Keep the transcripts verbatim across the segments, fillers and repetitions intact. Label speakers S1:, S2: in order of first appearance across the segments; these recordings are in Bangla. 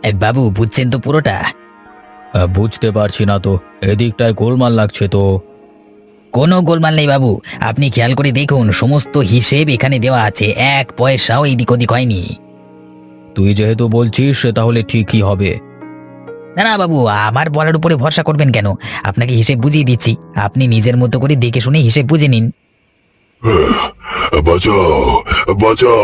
S1: এ বাবু, বুঝছেন তো পুরোটা?
S2: আহ, বুঝতে পারছি না তো, এদিকটায় গোলমাল লাগছে তো।
S1: কোনো গোলমাল নেই বাবু। আপনি খেয়াল করে দেখুন, সমস্ত হিসেব এখানে দেওয়া আছে, এক পয়সাও এদিক ওদিক হয়নি।
S2: তুই যেহেতু বলছিস সে তাহলে ঠিকই হবে।
S1: না না বাবু, আমার বলার উপরে ভরসা করবেন কেন? আপনাকে হিসেব বুঝিয়ে দিচ্ছি, আপনি নিজের মতো করে দেখে শুনে হিসেব বুঝে নিন।
S3: বাঁচাও, বাঁচাও।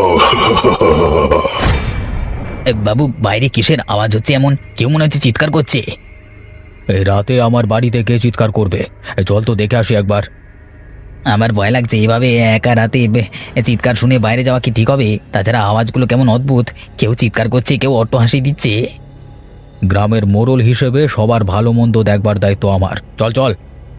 S1: এ বাবু, বাইরে কিসের আওয়াজ হচ্ছে এমন? কেউ মনে হচ্ছে চিৎকার করছে।
S2: এই রাতে আমার বাড়িতে কে চিৎকার করবে? এ, চল তো দেখে আসি একবার।
S1: আমার ভয় লাগছে, এভাবে একা রাতে বে- চিৎকার শুনে বাইরে যাওয়া কি ঠিক হবে? তাছাড়া আওয়াজগুলো কেমন অদ্ভুত, কেউ চিৎকার করছে, কেউ অট্ট হাসি দিচ্ছে।
S2: গ্রামের মোড়ল হিসেবে সবার ভালো মন্দ দেখবার দায়িত্ব আমার। চল চল।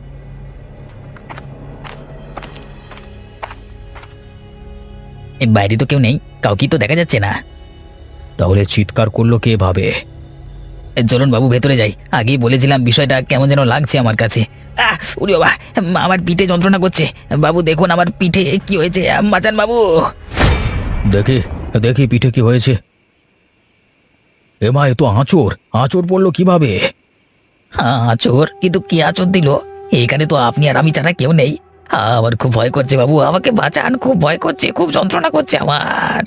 S1: এ বাইরে তো কেউ নেই, কাউকে তো দেখা যাচ্ছে না।
S2: তাহলে চিৎকার করলো কে ভাবে?
S1: এ চলুন বাবু, ভেতরে যাই। আগেই বলেছিলাম বিষয়টা কেমন যেন লাগছে আমার কাছে। আহ উরি বাবা, আমার পিঠে যন্ত্রণা করছে। বাবু দেখুন আমার পিঠে কি হয়েছে, বাঁচান বাবু।
S2: দেখি, দেখি পিঠে কি হয়েছে। এমা, এ তো আঁচড়। আঁচড় পড়লো কিভাবে?
S1: হ্যাঁ আচোর, কিন্তু কি আচর দিল? এখানে তো আপনি আর আমি ছাড়া কেউ নেই। আহ, আমার খুব ভয় করছে বাবু, আমাকে বাঁচান, খুব ভয় করছে, খুব যন্ত্রণা করছে আমার।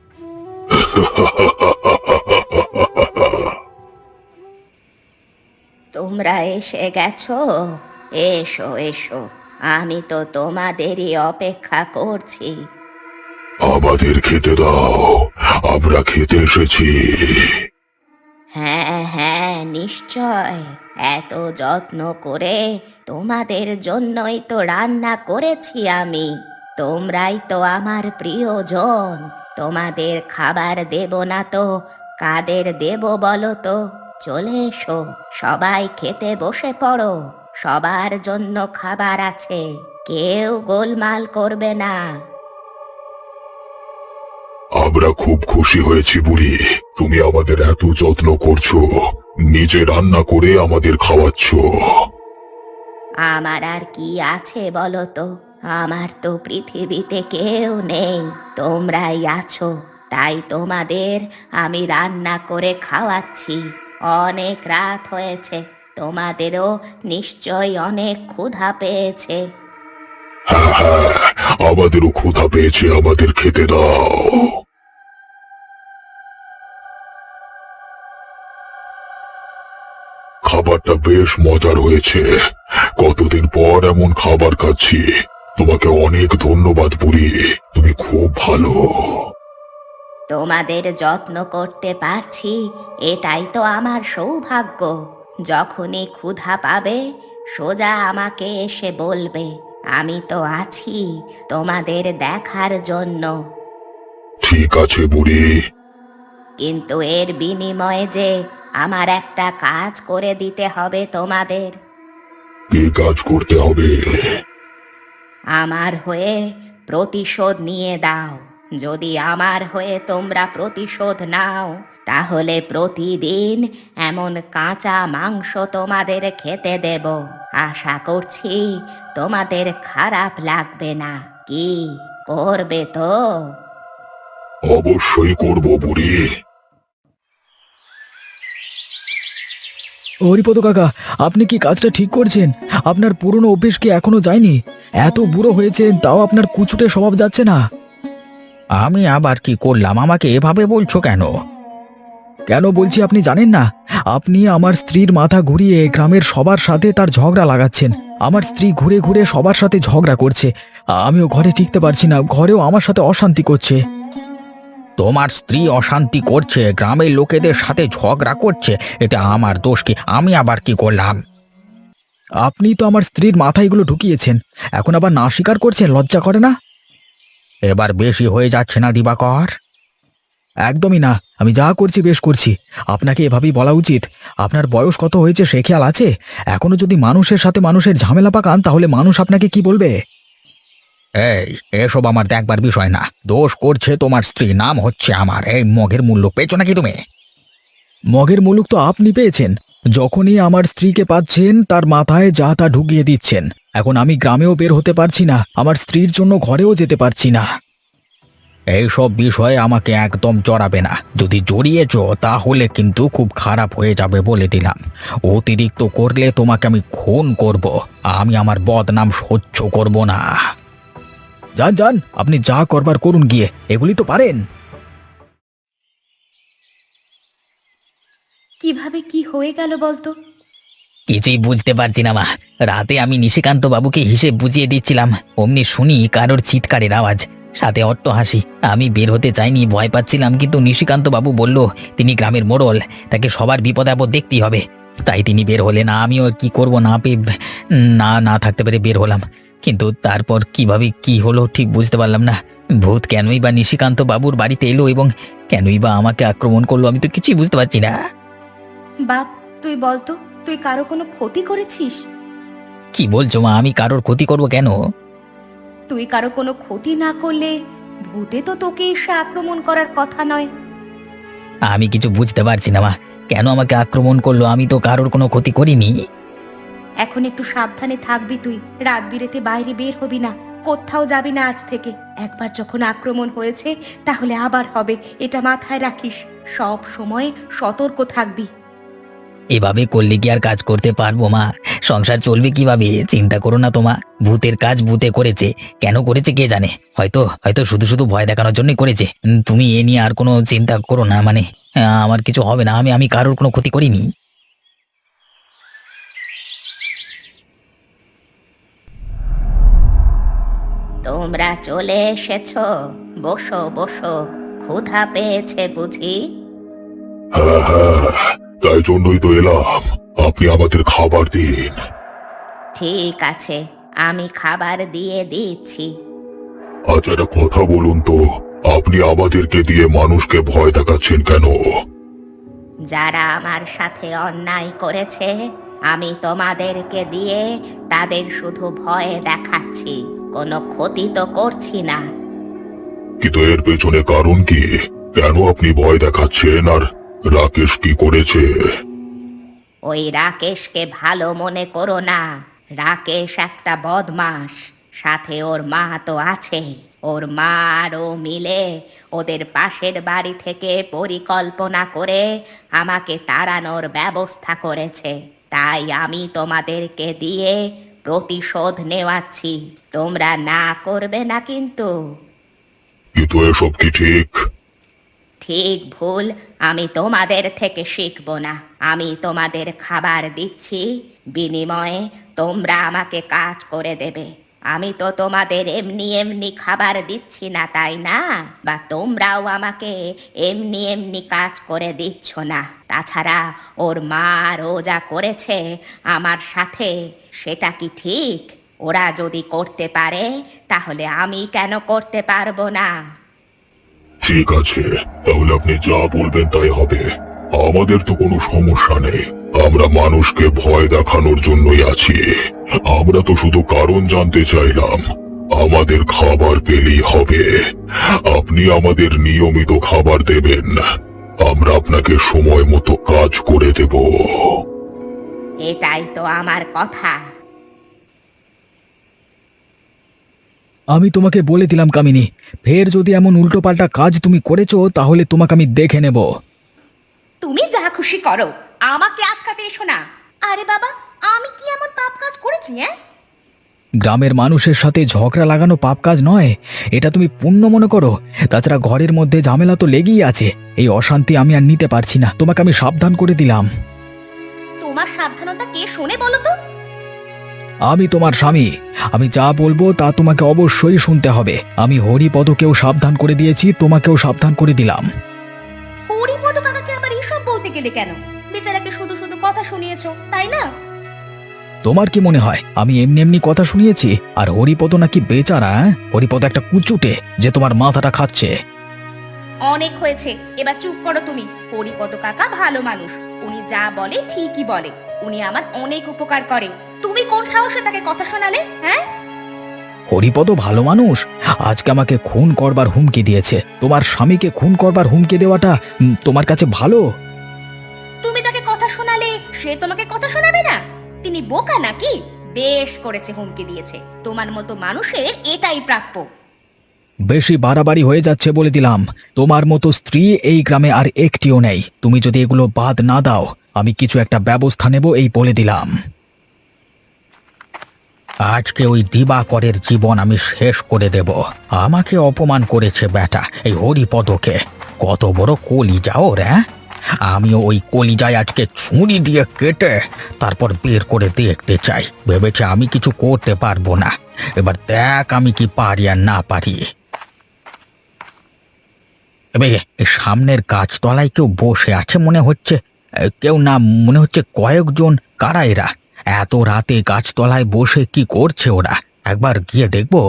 S4: তোমরা এসে গেছো? এসো এসো, আমি তো তোমাদেরই অপেক্ষা করছি।
S3: আমাদের খেতে দাও, আমরা খেতে এসেছি।
S4: হ্যাঁ হ্যাঁ, নিশ্চয়। এত যত্ন করে তোমাদের জন্যই তো রান্না করেছি আমি। তোমরাই তো আমার প্রিয়জন, তোমাদের খাবার দেব না তো কাদের দেব বলো তো? চলে এসো, সবাই খেতে বসে পড়ো। সবার জন্য খাবার আছে, কেউ গোলমাল করবে না।
S3: আমরা খুব খুশি হয়েছি বুড়ি, তুমি আমাদের এত যত্ন করছো, নিজে রান্না করে আমাদের খাওয়াচ্ছ।
S4: আমার আর কি আছে বলো তো? আমার তো পৃথিবীতে কেউ নেই, তোমরাই আছো, তাই তোমাদের আমি রান্না করে খাওয়াচ্ছি। অনেক রাত হয়েছে, তোমাদেরও নিশ্চয় অনেক ক্ষুধা পেয়েছে।
S3: হ্যাঁ হ্যাঁ, আমাদেরও ক্ষুধা পেয়েছে, আমাদের খেতে দাও। খাবারটা বেশ মজার হয়েছে, কতদিন পর এমন খাবার খাচ্ছি। তোমাকে অনেক ধন্যবাদ বুড়ি, তুমি খুব ভালো।
S4: তোমাদের যত্ন করতে পারছি, এটাই তো আমার সৌভাগ্য। যখনই ক্ষুধা পাবে সোজা আমাকে এসে বলবে, আমি তো আছি তোমাদের দেখার জন্য।
S3: ঠিক আছে বুড়ি।
S4: কিন্তু এর বিনিময়ে যে আমার একটা কাজ করে দিতে হবে তোমাদের।
S3: কি কাজ করতে হবে?
S4: আমার হয়ে প্রতিশোধ নিয়ে দাও। যদি আমার হয়ে তোমরা প্রতিশোধ নাও, তাহলে প্রতিদিন এমন কাঁচা মাংস তোমাদের খেতে দেব। আশা করছি তোমাদের খারাপ লাগবে না। কি করবে তো?
S3: অবশ্যই করব বুড়ি।
S2: হরিপদ কাকা, আপনি কি কাজটা ঠিক করছেন? আপনার পুরনো অভ্যেস কি এখনো যায়নি? এত বুড়ো হয়েছেন তাও আপনার কুচুটে স্বভাব যাচ্ছে না।
S1: আমি আবার কি করলাম? আমাকে এভাবে বলছো কেন?
S2: কেন বলছি আপনি জানেন না? আপনি আমার স্ত্রীর মাথা ঘুরিয়ে গ্রামের সবার সাথে তার ঝগড়া লাগাচ্ছেন। আমার স্ত্রী ঘুরে ঘুরে সবার সাথে ঝগড়া করছে, আমিও ঘরে টিকতে পারছি না, ঘরেও আমার সাথে অশান্তি করছে।
S1: তোমার স্ত্রী অশান্তি করছে, গ্রামের লোকেদের সাথে ঝগড়া করছে, এটা আমার দোষ কি? আমি আবার কি করলাম?
S2: আপনি তো আমার স্ত্রীর মাথায় এগুলো ঢুকিয়েছেন, এখন আবার না স্বীকার করছেন, লজ্জা করে না?
S1: এবার বেশি হয়ে যাচ্ছে না দিবাকর?
S2: একদমই না, আমি যা করছি বেশ করছি। আপনাকে এভাবেই বলা উচিত। আপনার বয়স কত হয়েছে সে খেয়াল আছে? এখনো যদি মানুষের সাথে মানুষের ঝামেলা পাকান তাহলে মানুষ আপনাকে কি বলবে?
S1: এই, এসব আমার দেখবার বিষয় না। দোষ করছে তোমার স্ত্রী, নাম হচ্ছে আমার। এই মগের মূল্য পেয়েছো নাকি তুমি?
S2: মগের মুলুক তো আপনি পেয়েছেন। যখনই আমার স্ত্রীকে পাচ্ছেন তার মাথায় যা তা ঢুকিয়ে দিচ্ছেন। এখন আমি গ্রামেও বের হতে পারছি না, আমার স্ত্রীর জন্য ঘরেও যেতে পারছি না। এইসব বিষয়ে আমাকে একদম জড়াবে না। যদি জড়িয়েছ তাহলে কিন্তু খুব খারাপ হয়ে যাবে বলে দিলাম। অতিরিক্ত করলে তোমাকে আমি খুন করব। আমি আমার বদনাম সহ্য করব না। যান যান, আপনি যা করবার করুন গিয়ে, এগুলি তো পারেন।
S4: কিভাবে কি হয়ে গেল বলতো?
S1: কিছুই বুঝতে পারছি না মা। রাতে আমি নিশিকান্ত বাবুকে হিসেব বুঝিয়ে দিচ্ছিলাম, অমনি শুনি কারোর চিৎকারের আওয়াজ, সাথে অট্ট হাসি। আমি বের হতে চাইনি, ভয় পাচ্ছিলাম, কিন্তু নিশিকান্ত বাবু বলল তিনি গ্রামের মোড়ল, তাকে সবার বিপদ আপদ দেখতেই হবে। তাই তিনি বের হলেন। আমিও কি করব, না পেয়ে না না থাকতে পেরে বের হলাম। কিন্তু তারপর কিভাবে কি হলো ঠিক বুঝতে পারলাম না। ভূত কেনই বা নিশিকান্ত বাবুর বাড়িতে এলো এবং কেনই বা আমাকে আক্রমণ করলো, আমি তো কিছুই বুঝতে পারছি না।
S4: বাপ, তুই বলতো, তুই কারো কোনো ক্ষতি করেছিস?
S1: কি বলছো মা? আমি কারোর ক্ষতি করব কেন?
S4: তুই কারো কোনো ক্ষতি না করলে ভূতে তো তোকে এসে আক্রমণ করার কথা নয়।
S1: আমি কিছু বুঝতে পারছি না মা, কেন আমাকে আক্রমণ করলো? আমি তো কারোর কোনো ক্ষতি করিনি।
S4: এখন একটু সাবধানে থাকবি তুই। রাত বিরেতে বাইরে বের হবি না, কোথাও যাবি না আজ থেকে। একবার যখন আক্রমণ হয়েছে তাহলে আবার হবে, এটা মাথায় রাখিস। সব সময় সতর্ক থাকবি।
S1: এভাবে করলে কি আর কাজ করতে পারবো মা? সংসার চলবে কিভাবে? চিন্তা করো না তোমা, ভূতের কাজ ভূতে করেছে। কেন করেছে কে জানে, হয়তো হয়তো শুধু শুধু ভয় দেখানোর জন্যই করেছে। উম, তুমি এ নিয়ে আর কোনো চিন্তা করো না, মানে আহ, আমার কিছু হবে না। আমি আমি কারোর কোনো ক্ষতি করিনি।
S4: তোমরা চলে এসেছো, বসো বসো। ক্ষুধা পেয়েছে বুঝি?
S3: হ্যাঁ হ্যাঁ, তাই জন্যই তো এলাম। আপনি আমাদের খাবার দিন।
S4: ঠিক আছে, আমি খাবার দিয়ে দিচ্ছি।
S3: আচ্ছা, একটা কথা বলুন তো, আপনি আমাদেরকে দিয়ে মানুষকে ভয় দেখাচ্ছেন কেন?
S4: যারা আমার সাথে অন্যায় করেছে, আমি তোমাদেরকে দিয়ে তাদের শুধু ভয় দেখাচ্ছি, কোনো ক্ষতি তো করছি না।
S3: কিন্তু এর পেছনে কারণ কি? কেন আপনি ভয় দেখাচ্ছেন? আর রাকেশ কি করেছে?
S4: ওই রাকেশকে ভালো মনে করো না। রাকেশ একটা বদমাস, সাথে ওর মা তো আছে। ওর মা আর ও মিলে ওদের পাশের বাড়ি থেকে পরিকল্পনা করে আমাকে তাড়ানোর ব্যবস্থা করেছে। তাই আমি তোমাদেরকে দিয়ে প্রতিশোধ নেওয়াচ্ছি। তোমরা না করবে না কিন্তু।
S3: কিন্তু এসব কি ঠিক?
S4: ঠিক ভুল আমি তোমাদের থেকে শিখব না। আমি তোমাদের খাবার দিচ্ছি, বিনিময়ে তোমরা আমাকে কাজ করে দেবে। আমি তো তোমাদের এমনি এমনি খাবার দিচ্ছি না, তাই না? বা তোমরাও আমাকে এমনি এমনি কাজ করে দিচ্ছ না। তাছাড়া ওর মা আর ও যা করেছে আমার সাথে, সেটা কি ঠিক? ওরা যদি করতে পারে তাহলে আমি কেন করতে পারবো না?
S3: ঠিক আছে, তাহলে আপনি যা বলবেন তাই হবে। আমাদের তো কোনো সমস্যা নেই। আমরা মানুষকে ভয় দেখানোর জন্যই আছি। আমরা তো শুধু কারণ জানতে চাইলাম। আমাদের খাবার পেলেই হবে। আপনি আমাদের নিয়মিত খাবার দেবেন, আমরা আপনাকে সময় মতো কাজ করে দেব।
S4: এটাই তো আমার কথা।
S2: আমি তোমাকে বলে দিলাম কামিনী, ফের যদি এমন উল্টোপাল্টা কাজ তুমি করেছো তাহলে তোমাকে আমি দেখে নেব।
S4: তুমি যা খুশি করো, আমাকে আটকাতে এসো না। আরে বাবা, আমি কি এমন পাপ কাজ করেছি? হ্যাঁ,
S2: গ্রামের মানুষের সাথে ঝগড়া লাগানো পাপ কাজ নয়, এটা তুমি পুণ্য মনে করো। তাছাড়া ঘরের মধ্যে ঝামেলা তো লেগেই আছে। এই অশান্তি আমি আর নিতে পারছি না, তোমাকে আমি সাবধান করে দিলাম।
S4: তোমার সাবধানতা কে শোনে বলো তো?
S2: আমি তোমার স্বামী, আমি যা বলবো তা তোমাকে অবশ্যই শুনতে হবে। আমি হরিপদকেও সাবধান করে দিয়েছি, তোমাকেও সাবধান করে দিলাম।
S4: হরিপদ কাকাকে আবার এসব বলতে গেলে কেন? বেচারাকে শুধু শুধু কথা শুনিয়েছো, তাই না?
S2: তোমার কি মনে হয় আমি এমনি এমনি কথা শুনিয়েছি? আর হরিপদ নাকি বেচারা? হ্যাঁ? হরিপদ একটা কুচুটে যে তোমার মাথাটা খাচ্ছে।
S4: অনেক হয়েছে, এবার চুপ করো তুমি। হরিপদ কাকা ভালো মানুষ, উনি যা বলে ঠিকই বলে। উনি আমার অনেক উপকার করে। তুমি কোন সাহসে তাকে কথা শোনালে? হ্যাঁ,
S2: হরিপদ ভালো মানুষ, আজকে আমাকে খুন করবার হুমকি দিয়েছে। তোমার স্বামীকে খুন করবার হুমকি দেওয়াটা উম, তোমার কাছে ভালো?
S4: তুমি তাকে কথা শোনালে সে তোমাকে কথা শোনাবে না? তিনি বোকা নাকি? বেশ করেছে হুমকি দিয়েছে। তোমার মতো মানুষের এটাই প্রাপ্য।
S2: বেশি বাড়াবাড়ি হয়ে যাচ্ছে বলে দিলাম। তোমার মতো স্ত্রী এই গ্রামে আর একটিও নেই। তুমি যদি এগুলো বাদ না দাও, আমি কিছু একটা ব্যবস্থা নেব এই বলে দিলাম। আজকে ওই দিবাকরের জীবন আমি শেষ করে দেব। আমাকে অপমান করেছে বেটা এই হরিপদকে। কত বড় কলিজা ওর, হ্যাঁ? আমিও ওই কলিজায় আজকে ছুরি দিয়ে কেটে তারপর বের করে দেখতে চাই। ভেবেছে আমি কিছু করতে পারবো না। এবার দেখ আমি কি পারি আর না পারি। এবে এই সামনের গাছতলায় কেউ বসে আছে মনে হচ্ছে। এ, কেউ না, মনে হচ্ছে কয়েকজন। কারা এরা? এত রাতে গাছতলায় বসে কি করছে ওরা? একবার গিয়ে দেখবো।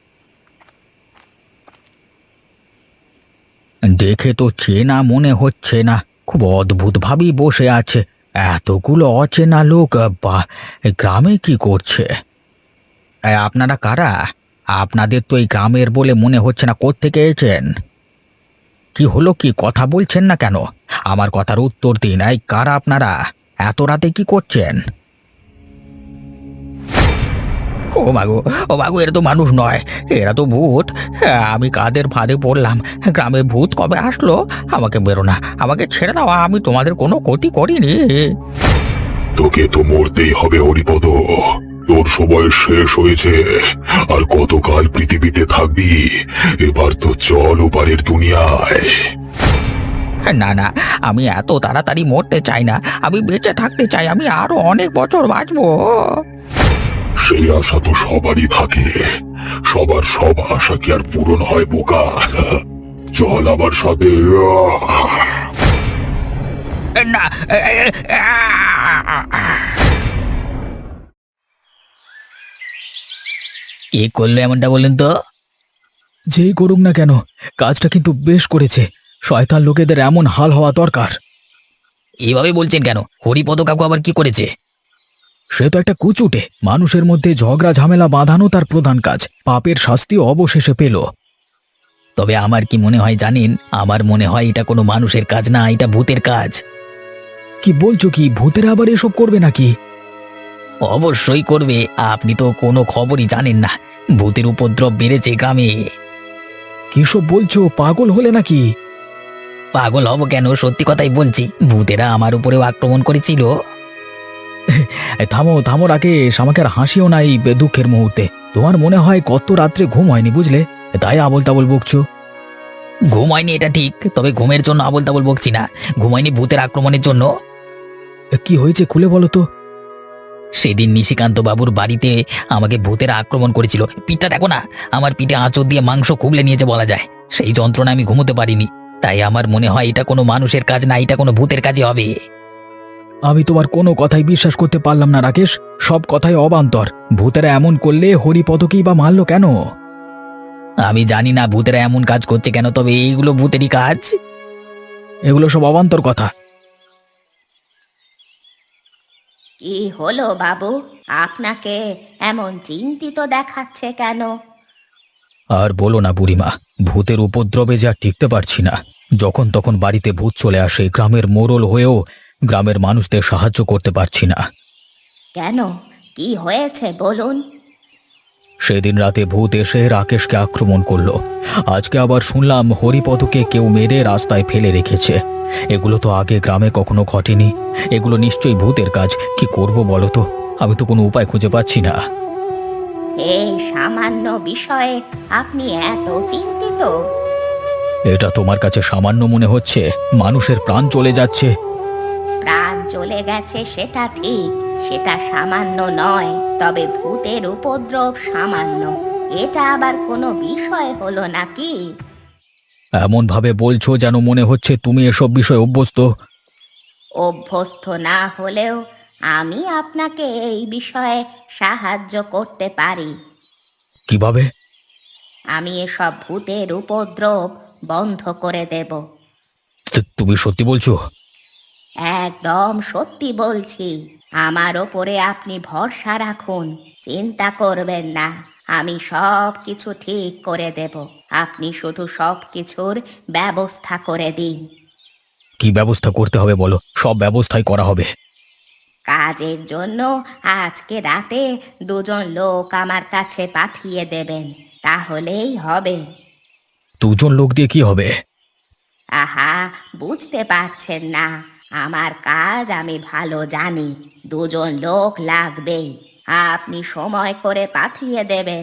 S2: দেখে তো চেনা মনে হচ্ছে না। খুব অদ্ভুত ভাবেই বসে আছে। এতগুলো অচেনা লোক, বা গ্রামে কি করছে? এ, আপনারা কারা? আপনাদের তো এই গ্রামের বলে মনে হচ্ছে না। কোত্থেকে এসেছেন? কি হলো, কি কথা বলছেন না কেন? আমার কথার উত্তর দিন। এই কারা আপনারা? এত রাতে কি করছেন? ও মাগো, ও মাগো, এরা তো মানুষ নয়, এরা তো ভূত। হ্যাঁ, আমি কাদের ফাঁদে পড়লাম? গ্রামে ভূত কবে আসলো? আমাকে বেরো না, আমাকে ছেড়ে দাও। আমি তোমাদের কোনো ক্ষতি করিনি।
S3: তোকে তো মরতেই হবে হরিপদ। তোর সময় শেষ হয়েছে। আর কতকাল পৃথিবীতে থাকবি? এবার তো চল ওপারের দুনিয়ায়।
S1: না না, আমি এত তাড়াতাড়ি মরতে চাই না। আমি বেঁচে থাকতে চাই। আমি আরো অনেক বছর বাঁচবো।
S3: সেই আশা তো সবারই থাকে। সবার সব আশা কি আর পূরণ হয় বোকা? চল আমার সাথে।
S1: না, কে করলো এমনটা বলুন তো?
S2: যেই করুক না কেন, কাজটা কিন্তু বেশ করেছে। শয়তান লোকেদের এমন হাল হওয়া দরকার।
S1: এভাবে বলছেন কেন? হরিপদ কাকু আবার কি করেছে?
S2: সে তো একটা কুচুটে। মানুষের মধ্যে ঝগড়া ঝামেলা বাঁধানো তার প্রধান কাজ। পাপের শাস্তি অবশেষে পেল।
S1: তবে আমার কি মনে হয় জানেন? আমার মনে হয় এটা কোনো মানুষের কাজ না, এটা ভূতের কাজ।
S2: কি বলছো কি? ভূতেরা আবার এসব করবে নাকি?
S1: অবশ্যই করবে। আপনি তো কোনো খবরই জানেন না। ভূতের উপদ্রব বেড়েছে গ্রামে।
S2: কিসব বলছো? পাগল হলে নাকি?
S1: পাগল হব কেন? সত্যি কথাই বলছি। ভূতেরা আমার উপরেও আক্রমণ করেছিল।
S2: এ, থামো থামো রাকেশ, আমাকে আর হাসিও নাই বে- দুঃখের মুহূর্তে। তোমার মনে হয় কত রাত্রে ঘুম হয়নি, বুঝলে? তাই আবোল তাবোল বকছো।
S1: ঘুম হয়নি এটা ঠিক, তবে ঘুমের জন্য আবোল তাবোল বকছি না। ঘুম হয়নি ভূতের আক্রমণের জন্য।
S2: এ, কি হয়েছে খুলে বলো তো।
S1: সেদিন নিশিকান্ত বাবুর বাড়িতে আমাকে ভূতেরা আক্রমণ করেছিল। পিঠটা দেখো না, আমার পিঠে আঁচড় দিয়ে মাংস খুবলে নিয়েছে বলা যায়। সেই যন্ত্রণা আমি ঘুমোতে পারিনি। তাই আমার মনে হয় এটা কোনো মানুষের কাজ না, এটা কোনো ভূতের কাজই হবে।
S2: আমি তোমার কোনো কথাই বিশ্বাস করতে পারলাম না রাকেশ। সব কথাই অবান্তর। ভূতেরা এমন করলে হরিপদকেই বা মারলো কেন?
S1: আমি জানি না ভূতেরা এমন কাজ করছে কেন, তবে এইগুলো ভূতেরই কাজ।
S2: এগুলো সব অবান্তর কথা।
S4: কি হলো বাবু? আপনাকে এমন চিন্তিত দেখাচ্ছে কেন?
S2: আর বলো না বুড়িমা, ভূতের উপদ্রবে যা টিকতে পারছি না। যখন তখন বাড়িতে ভূত চলে আসে। গ্রামের মোড়ল হয়েও গ্রামের মানুষদের সাহায্য করতে পারছি না।
S4: কেন, কি হয়েছে বলুন?
S2: সেদিন রাতে ভূত এসে রাকেশকে আক্রমণ করলো। আজকে আবার শুনলাম হরিপদকে কেউ মেরে রাস্তায় ফেলে রেখেছে। এগুলো তো আগে গ্রামে কখনো ঘটেনি। এগুলো নিশ্চয়ই ভূতের কাজ। কি করব বলো তো? আমি তো কোনো উপায় খুঁজে পাচ্ছি না।
S4: এই সামান্য বিষয়ে আপনি এত চিন্তিত?
S2: এটা তোমার কাছে সামান্য মনে হচ্ছে? মানুষের প্রাণ চলে যাচ্ছে।
S4: প্রাণ চলে গেছে সেটা ঠিক, সেটা সামান্য নয়। তবে ভূতের উপদ্রব সামান্য, এটা আবার কোনো বিষয় হলো নাকি?
S2: এমন ভাবে বলছো যেন মনে হচ্ছে তুমি এসব বিষয়ে অভ্যস্ত।
S4: অভ্যস্ত না হলেও আমি আপনাকে এই বিষয়ে সাহায্য করতে পারি।
S2: কিভাবে?
S4: আমি এসব ভূতের উপদ্রব বন্ধ করে দেব।
S2: তু- তুমি সত্যি বলছো?
S4: একদম সত্যি বলছি। আমার ওপরে আপনি ভরসা রাখুন, চিন্তা করবেন না। আমি সব কিছু ঠিক করে দেব। আপনি শুধু সব কিছুর ব্যবস্থা করে দিন।
S2: কি ব্যবস্থা করতে হবে বলো, সব ব্যবস্থাই করা হবে।
S4: কাজের জন্য আজকে রাতে দুজন লোক আমার কাছে পাঠিয়ে দেবেন, তাহলেই হবে।
S2: দুজন লোক দিয়ে কি হবে?
S4: আহা, বুঝতে পারছেন না? আমার কাজ আমি ভালো জানি। দুজন লোক লাগবেই। আপনি সময় করে পাঠিয়ে দেবেন।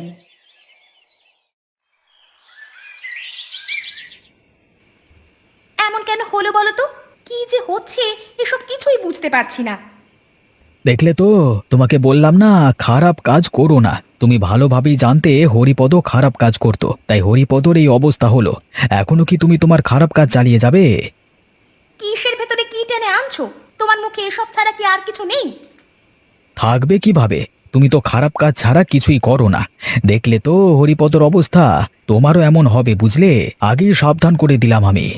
S4: এমন কেন হলো বলো তো? কি যে হচ্ছে এসব কিছুই বুঝতে পারছি না।
S2: দেখলে তো, তোমাকে বললাম না খারাপ কাজ করো না। তুমি ভালোভাবেই জানতে হরিপদ খারাপ কাজ করত, তাই হরিপদর এই অবস্থা হলো। এখনো কি তুমি তোমার খারাপ কাজ চালিয়ে যাবে?
S4: কিসের ভেতরে কি টেনে আনছো? তোমার মুখে এসব ছাড়া কি আর কিছু নেই?
S2: থাকবে কিভাবে? তুমি তো খারাপ কাজ ছাড়া কিছুই করো না। দেখলে তো হরিপদর অবস্থা, তোমারও এমন হবে বুঝলে। আগেই সাবধান করে দিলাম আমি।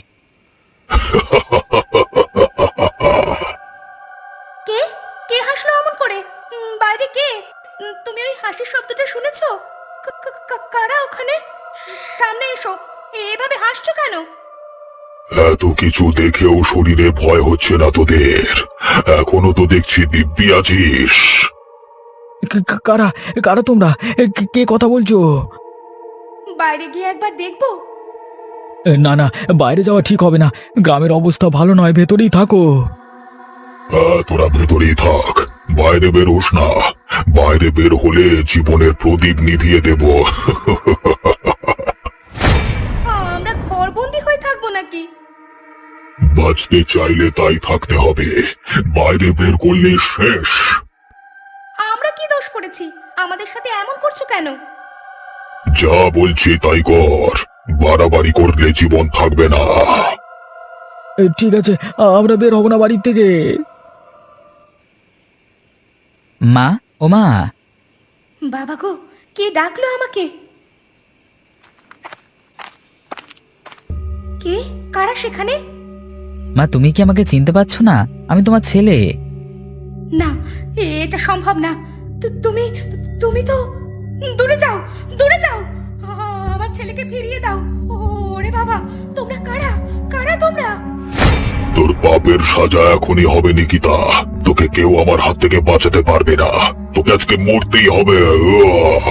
S4: কে কে হাসলো অমন করে? উম, বাইরে কে? উম, তুমি ওই হাসির শব্দটা শুনেছো? কা- কা- কা- কারা ওখানে? সামনে এসো। এভাবে হাসছো কেন?
S3: এত কিছু দেখেও শরীরে ভয় হচ্ছে না তোদের? এখনো তো দেখছি দিব্যি আছিস।
S2: কা- কা- কারা কারা তোমরা? এ, কে কে কথা বলছো?
S4: বাইরে গিয়ে একবার দেখবো।
S2: এ, না না, বাইরে যাওয়া ঠিক হবে না। গ্রামের অবস্থা ভালো নয়, ভেতরেই থাকো।
S3: আহ, তোরা ভেতরেই থাক, বাইরে বের হোস না। বাইরে বের হলে জীবনের প্রদীপ নিভিয়ে দেব।
S4: আমরা ঘরবন্দি হয়ে থাকবো নাকি?
S3: বাঁচতে চাইলে তাই থাকতে হবে, বাইরে বের করলে শেষ।
S4: আমরা কি দোষ করেছি? আমাদের সাথে এমন করছো কেন?
S3: যা বলছি তাই কর, বাড়াবাড়ি করলে জীবন থাকবে না।
S2: এ, ঠিক আছে, আমরা বের হব না বাড়ির থেকে।
S1: মা, ও মা।
S4: বাবা গো, কে ডাকলো আমাকে? কে? কারা সেখানে?
S1: মা, তুমি কি আমাকে চিনতে পারছো না? আমি তোমার ছেলে।
S4: না, এটা সম্ভব না। তু- তুমি তুমি তো দূরে যাও, দূরে যাও। আ, আমার ছেলেকে ফিরিয়ে দাও। ওরে বাবা, তোমরা কারা? কারা তোমরা?
S3: তোর পাপের সাজা এখনই হবে নিকিতা। তোকে কেউ আমার হাত থেকে বাঁচাতে পারবে না। তোকে আজকে মরতেই হবে। উয়াহ!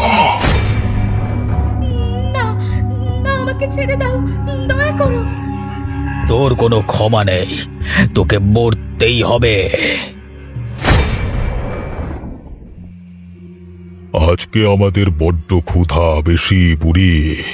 S4: না, না, আমাকে ছেড়ে দাও, দয়া করো।
S2: তোর কোনো ক্ষমা নেই, তোকে মরতেই হবে।
S3: আজকে আমাদের বড্ড ক্ষুধা বেশি বুড়ি।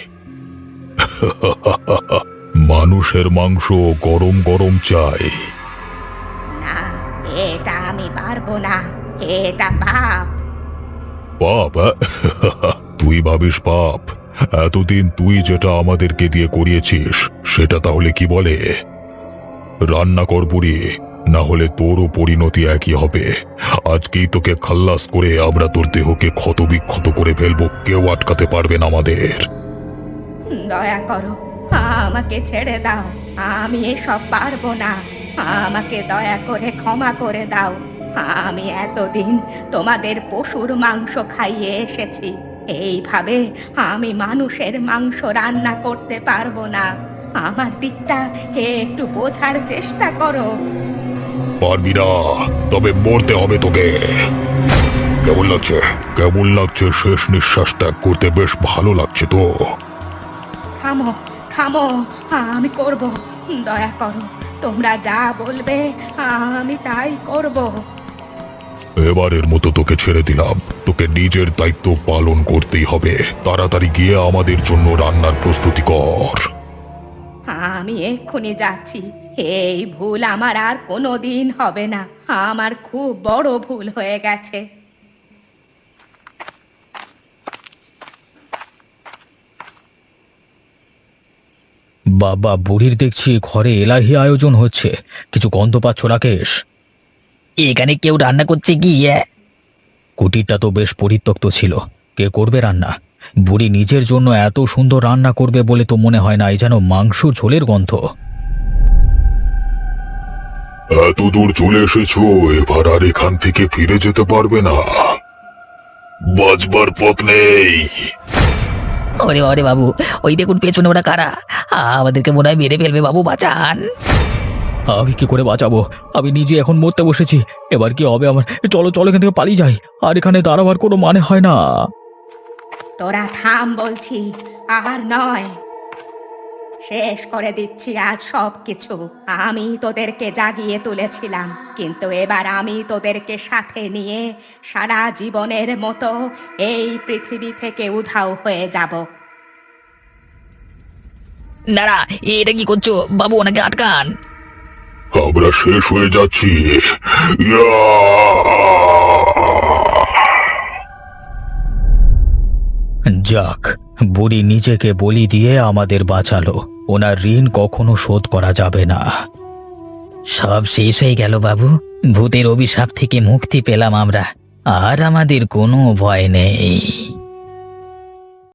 S3: মানুষের মাংস গরম গরম চাই।
S4: না, এটা আমি পারবো না। এটা পাপ।
S3: পাপ? আহ? তুই ভাবিস পাপ? এতদিন তুই যেটা আমাদেরকে দিয়ে করিয়েছিস সেটা তাহলে কি বলে? রান্না কর বুড়ি, না হলে তোরও পরিণতি একই হবে। আজকেই তোকে খাল্লাস করে আমরা তোর দেহকে ক্ষতবিক্ষত করে ফেলবো, কেউ আটকাতে পারবে না আমাদের।
S4: দয়া করো, আমাকে ছেড়ে দাও। আমি এসব পারবো না। আমাকে দয়া করে ক্ষমা করে দাও। আমি এতদিন তোমাদের পশুর মাংস খাইয়ে এসেছি। এইভাবে আমি মানুষের মাংস রান্না করতে পারবো না। আমার দিকটা একটু বোঝার চেষ্টা করো।
S3: পারবি না, তবে মরতে হবে তোকে। কেমন লাগছে? কেমন লাগছে? শেষ নিঃশ্বাস ত্যাগ করতে বেশ ভালো লাগছে তো?
S4: থামো, থামো, আমি করব। দয়া করো, তোমরা যা বলবে আমি তাই করব।
S3: এবারের মতো তোকে ছেড়ে দিলাম। তোকে নিজের দায়িত্ব পালন করতেই হবে। তাড়াতাড়ি গিয়ে আমাদের জন্য রান্নার প্রস্তুতি কর।
S4: আমি এক্ষুনি যাচ্ছি। এই ভুল আমার আর কোনো দিন হবে না। আমার খুব বড় ভুল হয়ে গেছে।
S2: বাবা, বুড়ির দেখছি ঘরে এলাহি আয়োজন হচ্ছে। কিছু গন্ধ পাচ্ছ রাকেশ?
S1: এখানে কেউ রান্না করছে কি? এ?
S2: কুটিরটা তো বেশ পরিত্যক্ত ছিল, কে করবে রান্না? বুড়ি নিজের জন্য এত সুন্দর রান্না করবে বলে তো মনে হয় না। এই যেন মাংস ঝোলের গন্ধ।
S3: এত দূর চলে এসেছো, এবার আর এখান থেকে ফিরে যেতে পারবে না। বাঁচবার পথ নেই।
S1: ওরে ওরে বাবু, ওই দেখুন পেছনে ওরা কারা। আমাদেরকে মনে হয় মেরে ফেলবে, বাবু বাঁচান।
S2: আমি কি করে বাঁচাবো? আমি নিজে এখন মরতে বসেছি। এবার কি হবে আমার? চলো চলো, এখান থেকে পালিয়ে যাই। আর এখানে দাঁড়াবার কোনো মানে হয় না।
S4: তোরা থাম বলছি, আর নয়। শেষ করে দিচ্ছি আজ সব কিছু। আমি তোদেরকে জাগিয়ে তুলেছিলাম, কিন্তু এবার আমি তোদেরকে সাথে নিয়ে সারা জীবনের মতো এই পৃথিবী থেকে উধাও হয়ে যাব।
S1: না না, এটা কি করছো বাবু? ওনাকে আটকান।
S3: আমরা শেষ হয়ে যাচ্ছি। ইয়া!
S2: যাক, বুড়ি নিজেকে বলি দিয়ে আমাদের বাঁচালো। ওনার ঋণ কখনো শোধ করা যাবে না।
S1: সব শেষ হয়ে গেল বাবু। ভূতের অভিশাপ থেকে মুক্তি পেলাম আমরা। আর আমাদের কোনো ভয় নেই।